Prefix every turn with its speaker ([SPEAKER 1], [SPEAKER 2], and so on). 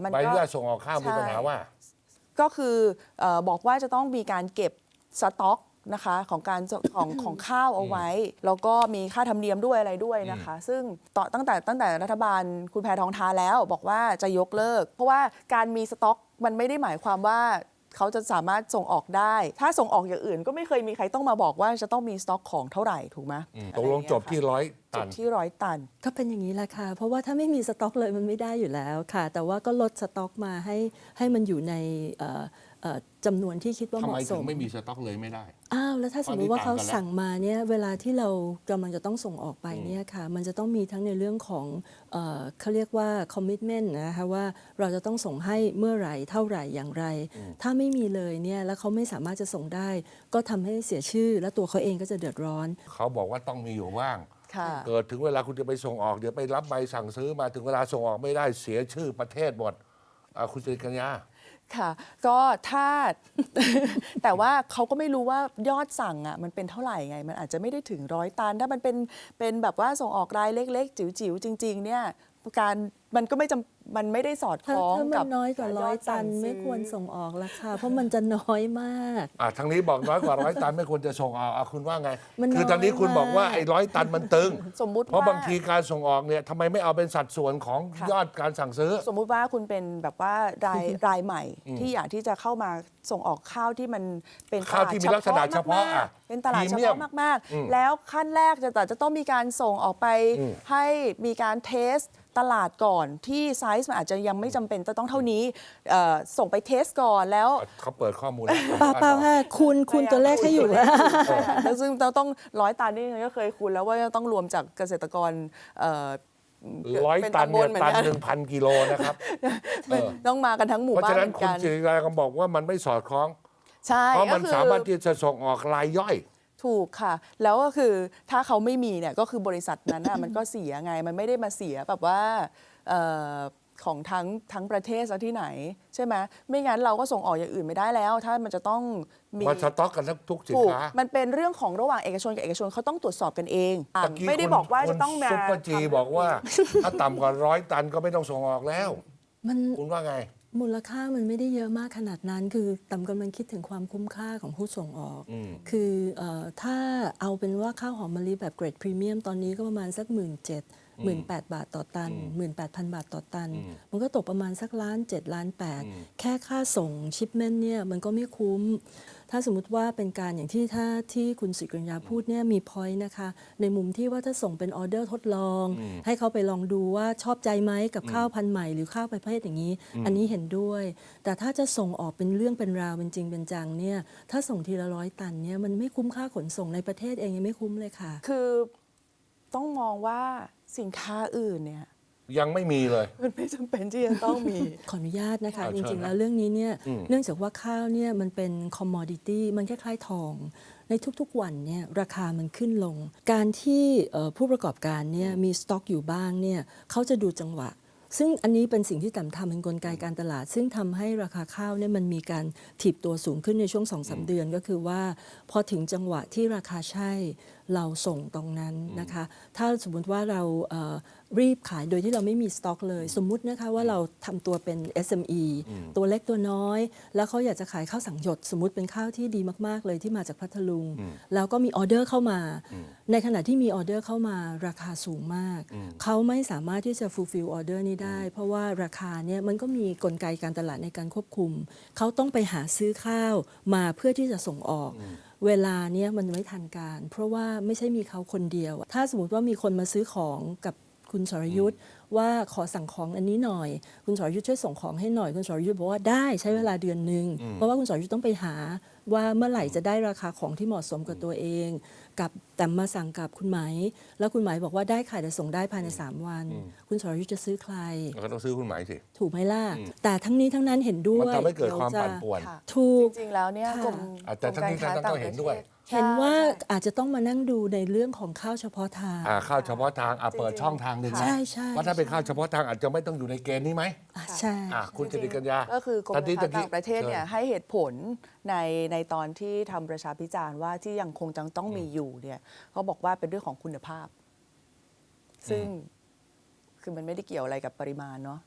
[SPEAKER 1] ใบอนุญาตส่งออกข้าวมีปัญหาว่า
[SPEAKER 2] ก็คือบอกว่าจะต้องมีการเก็บสต็อกนะคะของข้าวเอาไว้ แล้วก็มีค่าธรรมเนียมด้วยอะไรด้วยนะคะ ซึ่งตั้งแต่รัฐบาลคุณแพทองทานแล้วบอกว่าจะยกเลิก เพราะว่าการมีสต็อกมันไม่ได้หมายความว่าเขาจะสามารถส่งออกได้ ถ้าส่งออกอย่างอื่นก็ไม่เคยมีใครต้องมาบอกว่าจะต้องมีสต็อกของเท่าไหร่ถูกไหม
[SPEAKER 1] ตกลงจบที่100 ตัน
[SPEAKER 2] จบที่100 ตัน
[SPEAKER 3] ก็เป็นอย่างนี้แหละค่ะเพราะว่าถ้าไม่มีสต็อกเลยมันไม่ได้อยู่แล้วค่ะแต่ว่าก็ลดสต็อกมาให้มันอยู่ในจำนวนที่คิดว่าเห
[SPEAKER 1] ทำไม
[SPEAKER 3] มาะส
[SPEAKER 1] ถึง
[SPEAKER 3] ม
[SPEAKER 1] ไม่มีสต็อกเลยไม่ได้
[SPEAKER 3] อ้าวแล้วถ้าสมมติว่าเขาสั่งมาเนี่ยเวลาที่เรากำลังจะต้องส่งออกไปเนี่ยค่ะมันจะต้องมีทั้งในเรื่องของเขาเรียกว่า commitment นะคะว่าเราจะต้องส่งให้เมื่อไหร่เท่าไหร่อย่างไร ถ้าไม่มีเลยเนี่ยแล้วเขาไม่สามารถจะส่งได้ก็ทำให้เสียชื่อและตัวเขาเองก็จะเดือดร้อน
[SPEAKER 1] เขาบอกว่าต้องมีอยู่บ้าง
[SPEAKER 2] ค่ะ
[SPEAKER 1] เกิดถึงเวลาคุณจะไปส่งออกเดี๋ยวไปรับใบสั่งซื้อมาถึงเวลาส่งออกไม่ได้เสียชื่อประเทศหมดคุณสิริกัญญา
[SPEAKER 2] ค่ะก็ถ้า แต่ว่าเขาก็ไม่รู้ว่ายอดสั่งอ่ะมันเป็นเท่าไหร่ไงมันอาจจะไม่ได้ถึง100 ตันถ้ามันเป็นแบบว่าส่งออกรายเล็กๆจิ๋วๆจริงๆเนี่ยมันก็มันไม่ได้สอดคล้องกับ
[SPEAKER 3] ถ้ามันน้อยกว่า100 ตันไม่ควรส่งออกละค่ะเพราะมันจะน้อยมาก
[SPEAKER 1] ทางนี้บอกน้อยกว่า100 ตันไม่ควรจะส่งออกคุณว่าไง
[SPEAKER 3] มันน้อย
[SPEAKER 1] คือทางนี้คุณบอกว่าไอ้100 ตันมันตึง
[SPEAKER 2] สมมุติ
[SPEAKER 1] เพราะบางทีการส่งออกเนี่ยทำไมไม่เอาเป็นสัดส่วนของยอดการสั่งซื้อ
[SPEAKER 2] สมมุติว่าคุณเป็นแบบว่ารายใหม่ที่อยากที่จะเข้ามาส่งออกข้าวที่มันเป็นตลาด
[SPEAKER 1] ที่มีลักษณะเฉพาะ
[SPEAKER 2] เป็นตลาดเฉพาะมากๆแล้วขั้นแรกจะต้องมีการส่งออกไปให้มีการเทสตลาดก่อนที่ไซส์มันอาจจะยังไม่จำเป็นจะต้องเท่านี้ส่งไปเทสก่อนแล้ว
[SPEAKER 1] เขาเปิดข้อมูล
[SPEAKER 3] เปล่าค่ะคุณตัวเลขให้อยู่แล้ว
[SPEAKER 2] แล้วซึ่งเราต้อง100 ตันนี่ก็เคยคูณแล้วว่าต้องรวมจากเกษตรกร
[SPEAKER 1] 100 ตันเนี่ยตัน 1,000 กิโลนะครับ
[SPEAKER 2] ต้องมากันทั้งหมู่บ้าน
[SPEAKER 1] เพราะฉะนั้นคุณสิริกัญญาก็บอกว่ามันไม่สอดคล้อง
[SPEAKER 2] ใช่
[SPEAKER 1] เพราะมันสามารถที่จะส่งออกรายย่อย
[SPEAKER 2] ถูกค่ะแล้วก็คือถ้าเขาไม่มีเนี่ยก็คือบริษัทนั้นมันก็เสียไงมันไม่ได้มาเสียแบบว่าของทั้งประเทศซะที่ไหนใช่ไหมไม่งั้นเราก็ส่งออกอย่างอื่นไม่ได้แล้วถ้ามันจะต้องมี
[SPEAKER 1] มันสต็อกกันทุกสินค้า
[SPEAKER 2] มันเป็นเรื่องของระหว่างเอกชนกับเอกชนเขาต้องตรวจสอบกันเองไม่ได้บอกว่าจะต้องมา
[SPEAKER 1] ซุปเปอร์จีบอกว่าถ้าต่ำกว่า100 ตันก็ไม่ต้องส่งออกแล้วคุณว่าไง
[SPEAKER 3] มูลค่ามันไม่ได้เยอะมากขนาดนั้นคือต่ำกำลังคิดถึงความคุ้มค่าของผู้ส่งออกคือถ้าเอาเป็นว่าข้าวหอมมะลิแบบเกรดพรีเมียมตอนนี้ก็ประมาณสัก17,000 บาทต่อตัน 18,000 บาทต่อตันมันก็ตกประมาณสัก1,7,800,000แค่ค่าส่งชิปเมนต์เนี่ยมันก็ไม่คุ้มถ้าสมมุติว่าเป็นการอย่างที่คุณสิริกัญญาพูดเนี่ยมีพอยต์นะคะในมุมที่ว่าถ้าส่งเป็นออเดอร์ทดลองให้เขาไปลองดูว่าชอบใจไหมกับข้าวพันธุ์ใหม่หรือข้าวประเภทอย่างนี้อันนี้เห็นด้วยแต่ถ้าจะส่งออกเป็นเรื่องเป็นราวเป็นจริงเป็นจังเนี่ยถ้าส่งทีละ100 ตันเนี่ยมันไม่คุ้มค่าขนส่งในประเทศเองยังไม่คุ้มเลยค่ะ
[SPEAKER 2] คือต้องมองว่าสินค้าอื่นเนี่ย
[SPEAKER 1] ยังไม่มีเลย
[SPEAKER 2] มันไม่จำเป็นที่จะต้องมี
[SPEAKER 3] ขออนุญาตนะคะจริงๆแล้วเรื่องนี้เนี่ยเนื่องจากว่าข้าวเนี่ยมันเป็นคอมมอดิตี้มันคล้ายๆทองในทุกๆวันเนี่ยราคามันขึ้นลงการที่ผู้ประกอบการเนี่ยมีสต็อกอยู่บ้างเนี่ยเขาจะดูจังหวะซึ่งอันนี้เป็นสิ่งที่ต่ำทำเป็นกลไกการตลาดซึ่งทำให้ราคาข้าวเนี่ยมันมีการถีบตัวสูงขึ้นในช่วง 2-3 เดือนก็คือว่าพอถึงจังหวะที่ราคาใช่เราส่งตรงนั้นนะคะถ้าสมมุติว่าเรารีบขายโดยที่เราไม่มีสต็อกเลยสมมุตินะคะว่าเราทำตัวเป็น SME ตัวเล็กตัวน้อยแล้วเขาอยากจะขายข้าวสังหยดสมมุติเป็นข้าวที่ดีมากๆเลยที่มาจากพัทลุงแล้วก็มีออเดอร์เข้ามาในขณะที่มีออเดอร์เข้ามาราคาสูงมากเขาไม่สามารถที่จะ fulfill ออเดอร์นี้ได้เพราะว่าราคาเนี่ยมันก็มีกลไกการตลาดในการควบคุมเขาต้องไปหาซื้อข้าวมาเพื่อที่จะส่งออกเวลาเนี้ยมันไม่ทันการเพราะว่าไม่ใช่มีเขาคนเดียวถ้าสมมติว่ามีคนมาซื้อของกับคุณสรยุทธ์ว่าขอสั่งของอันนี้หน่อยคุณสรยุทธ์ช่วยส่งของให้หน่อยคุณสรยุทธ์บอกว่าได้ใช้เวลาเดือนนึงเพราะว่าคุณสรยุทธ์ต้องไปหาว่าเมื่อไหร่จะได้ราคาของที่เหมาะสมกับตัวเองกับแต่มาสั่งกับคุณไหมแล้วคุณไหมบอกว่าได้ค่ะแต่ส่งได้ภายใน3 วันคุณสรยุทธ์จะซื้อใคร
[SPEAKER 1] ก็ต้องซื้อคุณไหมสิ
[SPEAKER 3] ถูกไหมล่ะแต่ทั้งนี้ทั้งนั้นเห็นด้วย
[SPEAKER 1] มันทำให้เกิดความปั่นป่วน
[SPEAKER 3] ถูก
[SPEAKER 2] จริงๆแล้วเนี่ยกรม
[SPEAKER 1] แต่ทั้งนี้ทั้งนั้นต้องเห็นด้วย
[SPEAKER 3] เห็นว่าอาจจะต้องมานั่งดูในเรื่องของข้าวเฉพาะทาง
[SPEAKER 1] ข้าวเฉพาะทางเปิดช่องทางหนึ่งนะว่าถ้าเป็นข้าวเฉพาะทางอาจจะไม่ต้องอยู่ในเกณฑ์นี้ไหม
[SPEAKER 3] ใช่
[SPEAKER 1] คุณสิริกัญญา
[SPEAKER 2] ก็คือกรมการต่างประเทศเนี่ยให้เหตุผลในตอนที่ทำประชาพิจารณ์ว่าที่ยังคงต้องมีอยู่เนี่ยเขาบอกว่าเป็นเรื่องของคุณภาพซึ่งคือมันไม่ได้เกี่ยวอะไรกับปริมาณเนาะ